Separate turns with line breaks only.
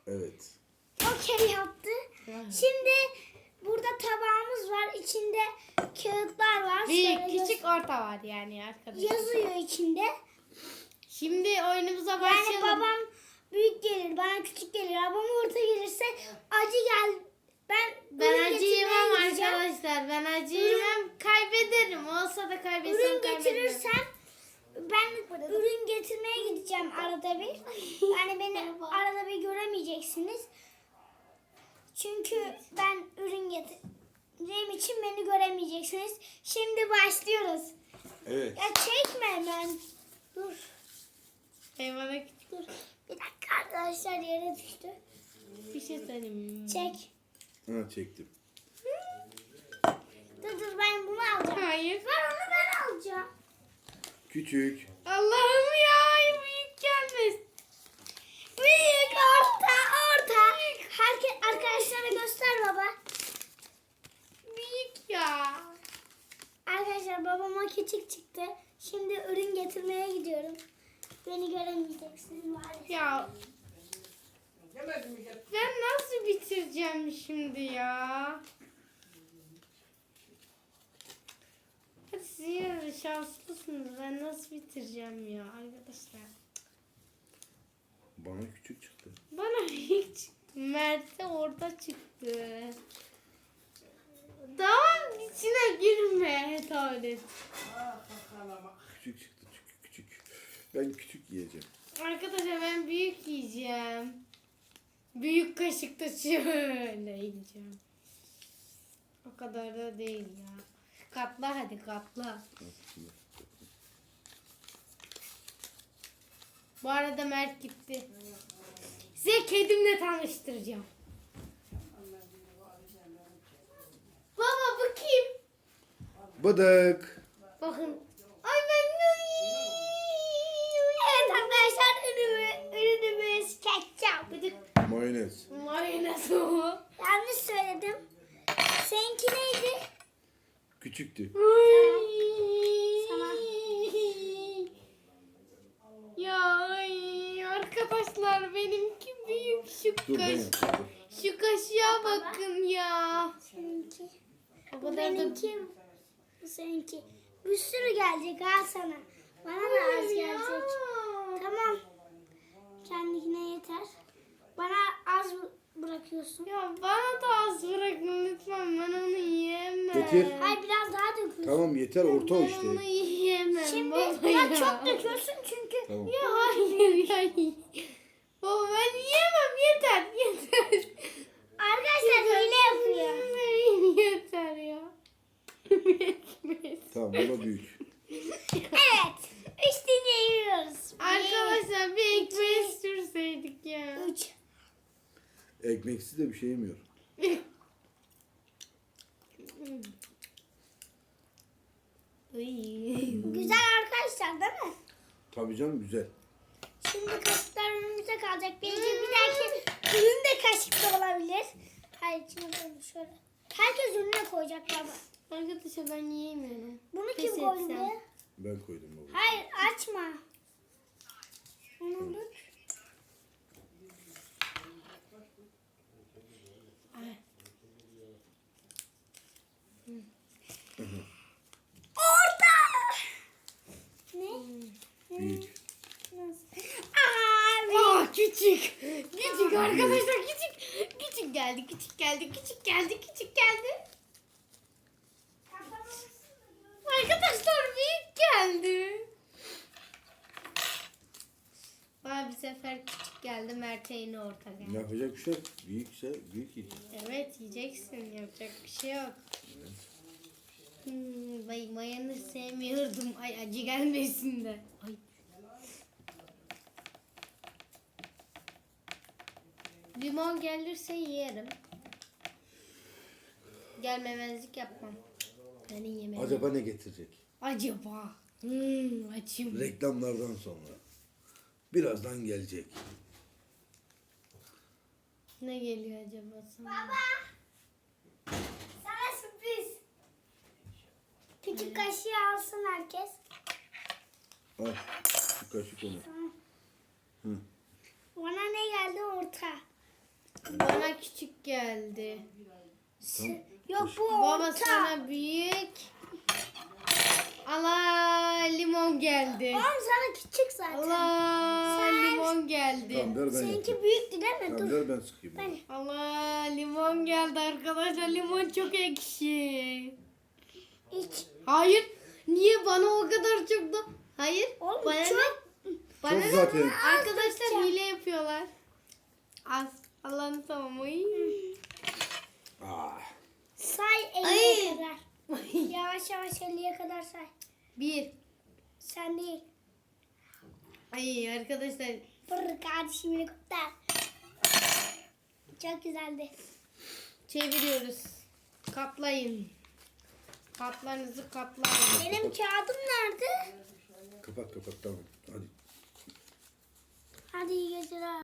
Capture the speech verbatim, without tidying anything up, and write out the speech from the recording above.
Evet.
Okey yaptı. Şimdi burada tabağımız var. İçinde kağıtlar var.
Büyük,
Şöyle
küçük, orta var yani arkadaşlar.
yazıyor içinde.
Şimdi oyunumuza
Yani
başlayalım.
babam büyük gelir, bana küçük gelir. Babam orta gelirse acı gel. Ben
Ben
ürün
acı
getirmeye
yemem
gideceğim.
arkadaşlar. Ben acı yemem. Kaybederim. Olsa da kaybetsem
Ürün
kaybederim.
getirirsem ben ürün getirmeye gideceğim arada bir. Yani beni arada bir göremeyeceksiniz. Çünkü ben ürün getireceğim için beni göremeyeceksiniz. Şimdi başlıyoruz.
Evet.
Ya çekme hemen. Dur.
Eyvallah küçük.
Dur. Bir dakika arkadaşlar yere düştü.
Bir şey söyleyeyim.
Çek.
Ha çektim.
Dur dur ben bunu alacağım.
Hayır.
Ben onu ben alacağım.
Küçük.
Allah'ım ya. Büyük gelmez.
Büyük, orta, orta. Herkes arkadaşlara göster baba.
Büyük ya.
Arkadaşlar babama küçük çıktı. Şimdi ürün getirmeye gidiyorum. Beni göremeyeceksiniz maalesef.
Ya. Ben nasıl bitireceğim şimdi ya? Hadi siz yine de şanslısınız. Ben nasıl bitireceğim ya arkadaşlar?
Bana küçük çıktı.
Bana hiç Mert'e orada çıktı. Tamam içine girme tuvalet.
Küçük çıktı. Küçük küçük. Ben küçük yiyeceğim.
Arkadaşlar ben büyük yiyeceğim. Büyük kaşıkta şöyle yiyeceğim. O kadar da değil ya. Katla hadi katla. Bu arada Mert gitti. Size kedimle tanıştıracağım. Baba bu kim?
Bıdık.
Bakın. Ay ben
Evet arkadaşlar ürünü, ürünümüz ketçap.
Mayonez.
mayonez o.
Yanlış söyledim. Seninki neydi?
Küçüktü.
Sana.
Ya ay, arkadaşlar benimki büyük şu
Dur ben
kaş.
yapayım.
Şu kaşığa bakın ya.
Seninki.
O
Bu
kadar da
benimki. Bu seninki. Bir sürü gelecek ha sana. Bana da az
ya.
gelecek. Tamam. Kendine yeter. Bana az bırakıyorsun.
Ya bana da az bırakın lütfen, ben onu yiyemem.
Getir.
Hayır biraz daha döküyorsun.
Tamam yeter orta o
Ben
işte.
onu yiyemem
Şimdi
baba
ya
ya.
çok döküyorsun çünkü.
Tamam.
Ya hayır ya. Baba ben yiyemem, yeter yeter.
Arkadaşlar hile yapıyor.
Yeter ya. Yetmez.
Tamam bana büyük.
Evet. Üstüne yiyoruz.
Arkadaşlar bir ekmeği sürseydik ya.
Üç.
Ekmeksiz de bir şey yemiyor.
Ay.
Güzel arkadaşlar değil mi?
Tabii canım güzel.
Şimdi kaşıklar önümüzde kalacak. Belki bir dahaki ürün de kaşıkta olabilir. Hayır içine koyun şöyle. Herkes önüne koyacak baba.
Arkadaşlar ben yiyemiyorum.
Bunu
Pes
kim koydu
etsem.
buraya?
Ben koydum baba.
Hayır açma. Onu tut.
Ay.
Orta. Ne?
Büyük.
Nasıl? Abi.
Aa küçük. Küçük arkadaşlar, küçük. Küçük geldi, küçük geldi, küçük geldi, küçük geldi. Arkadaşlar büyük geldi. Bana bir sefer küçük geldi, Mert'e yine orta geldi.
Yapacak bir şey yok. Büyükse büyük yiyeceğim.
Evet yiyeceksin, yapacak bir şey yok. Hmm, bay mayonez sevmiyordum. Ay acı gelmesin de. Ay. Limon gelirse yerim. Gelmemezlik yapmam. Ben yemem.
Acaba ne getirecek?
Acaba. Hmm, açım.
Reklamlardan sonra. Birazdan gelecek.
Ne geliyor acaba sana?
Baba. Sana sürpriz. Küçük kaşığı alsın herkes.
Al. Şu kaşık onu.
Tamam.
Hı.
Bana ne geldi orta.
Bana küçük geldi.
Yok bu
Baba
orta.
sana büyük. Allah limon geldi.
Oğlum sana küçük zaten.
Allah
Sen-
limon geldi.
Tamam ver ben yapayım.
Seninki büyüktü değil mi?
Tamam
Dur.
ver ben sıkayım.
Ben.
Allah limon geldi arkadaşlar. Limon çok ekşi.
İç.
Hayır. Niye bana o kadar çok da? Hayır.
Oğlum
bana
çok.
ne? Bana
Çok
ne?
zaten.
Arkadaşlar hile yapıyorlar. Az. Allah'ım tamam. Ay.
Ah.
Say
Ay.
elliye kadar. Yavaş yavaş elliye kadar say.
Bir.
Sen değil.
Ay arkadaşlar.
Fırr kardeşim helikopter. Çok güzeldi.
Çeviriyoruz. Katlayın. Katlarınızı katlayın.
Benim kağıdım nerede?
Kapat kapat tamam. Hadi.
Hadi iyi geceler.